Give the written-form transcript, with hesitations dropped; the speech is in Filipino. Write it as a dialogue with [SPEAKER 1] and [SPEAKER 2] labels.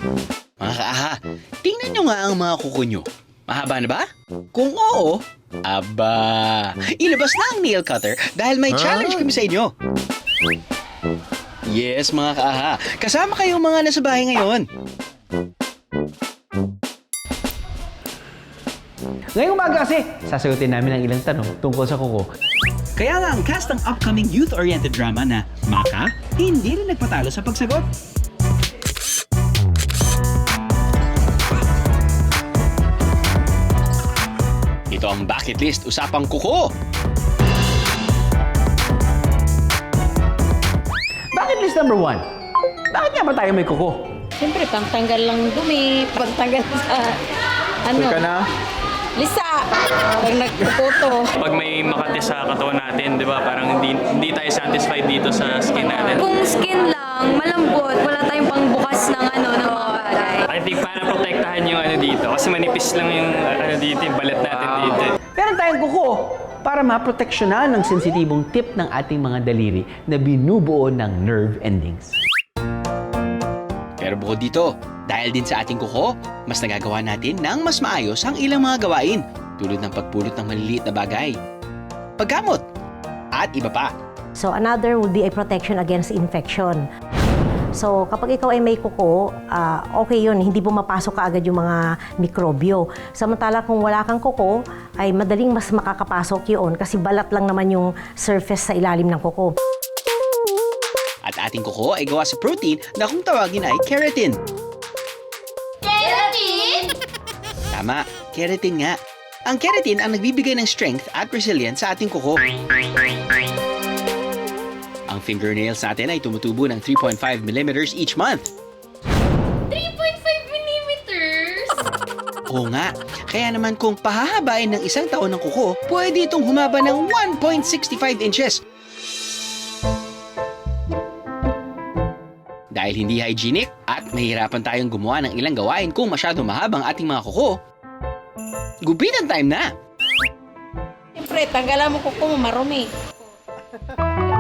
[SPEAKER 1] Mga kaaha, tingnan nyo nga ang mga kuko nyo. Mahaba na ba? Kung oo, aba, ilabas na ang nail cutter dahil may challenge kami sa inyo. Yes, mga kaaha, kasama kayong mga nasa bahay ngayon.
[SPEAKER 2] Ngayong umaga kasi, sasagutin namin ang ilang tanong tungkol sa kuko.
[SPEAKER 1] Kaya nga ang cast ng upcoming youth-oriented drama na Maka, hindi rin nagpatalo sa pagsagot. Ito ang bucket list usapang kuko.
[SPEAKER 2] Bucket list number 1. Bakit nga ba tayo may kuko?
[SPEAKER 3] Siyempre, pangtanggal lang dumi, pangtanggal sa, lisa, pag nagpuputo.
[SPEAKER 4] Pag may makati sa katawan natin, di ba, parang hindi tayo satisfied dito sa skin natin.
[SPEAKER 5] Kung skin lang, malambot, wala tayong pangbukas ng ng mga bagay.
[SPEAKER 4] I think para protektahan yung dito, kasi manipis lang yung dito, yung balat natin dito.
[SPEAKER 2] Meron tayong kuko para maproteksyonan ang sensitibong tip ng ating mga daliri na binubuo ng nerve endings.
[SPEAKER 1] Pero bukod dito, dahil din sa ating kuko, mas nagagawa natin ng mas maayos ang ilang mga gawain tulad ng pagpulot ng maliliit na bagay, paggamot, at iba pa.
[SPEAKER 6] So another would be a protection against infection. So kapag ikaw ay may kuko, okay yun, hindi pumapasok kaagad yung mga mikrobyo. Samantala kung wala kang kuko, ay madaling mas makakapasok yun kasi balat lang naman yung surface sa ilalim ng kuko.
[SPEAKER 1] At ating kuko ay gawa sa protein na kung tawagin ay keratin.
[SPEAKER 5] Keratin?
[SPEAKER 1] Tama, keratin nga. Ang keratin ang nagbibigay ng strength at resilience sa ating kuko. Ang fingernails natin ay tumutubo ng 3.5 millimeters each month.
[SPEAKER 5] 3.5 millimeters?
[SPEAKER 1] Oo nga, kaya naman kung pahahabain ng isang taon ng kuko, pwede itong humaba ng 1.65 inches. Dahil hindi hygienic at mahirapan tayong gumawa ng ilang gawain kung masyado mahabang ating mga kuko, gupitan time na!
[SPEAKER 3] Siyempre, tanggalan mo kuko mo, marumi.